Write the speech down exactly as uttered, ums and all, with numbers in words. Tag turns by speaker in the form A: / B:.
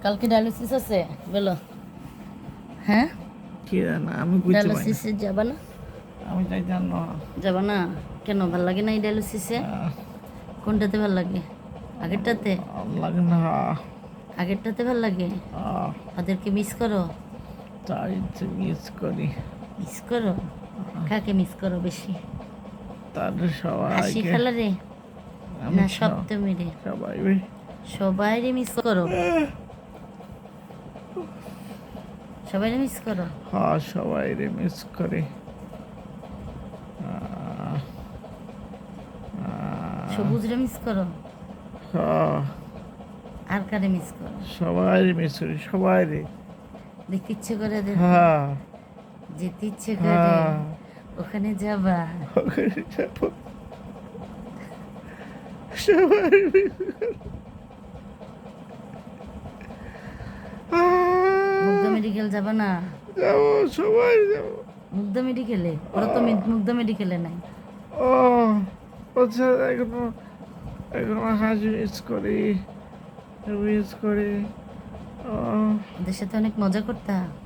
A: কালকে ডায়ালিসিস আছে বলো। হ্যাঁ
B: কি জানা আমি বুঝতে পারি না।
A: ডায়ালিসিসে যাবা না?
B: আমি তাই জানো না।
A: যাবা না কেন? ভাল লাগে না এই ডায়ালিসিসে?
B: আহ,
A: কোনটাতে ভাল লাগে? আগেরটাতে?
B: ভাল লাগে না।
A: আগেরটাতে ভাল লাগে?
B: আহ,
A: ওদেরকে মিস করো?
B: তাই তো মিস করি।
A: মিস করো? কাকে মিস করো বেশি?
B: তাদের
A: হাসি
B: সবাইকে
A: খালারে
B: আমি
A: না
B: সব-
A: সপ্তমীরে?
B: সবাই
A: সবাইরে মিস করো? সবাইরে মিস করো?
B: হ্যাঁ সবাই রে মিস করে। আহ, আহ,
A: সবুজরে মিস করো?
B: হ্যাঁ,
A: আর কারে মিস করো?
B: সবাই মিস করি সবাই রে।
A: দেখতে ইচ্ছে করে ওদের?
B: হ্যাঁ
A: যেতে ইচ্ছে করে?
B: হ্যাঁ
A: ওখানে যাবা?
B: ওখানে যাবো। সবাই miss করে। আহ,
A: মুগ্ধা মেডিকেল যাবা না?
B: যাবো সবাই যাবো।
A: মুগ্ধা মেডিকেলে? ওরা তো মে- মুগ্ধা মেডিকেলে নাই।
B: ও আচ্ছা, এখনো এখনো হাজি মিস করি মিস করি। ও
A: ওদের সাথে অনেক মজা করতা?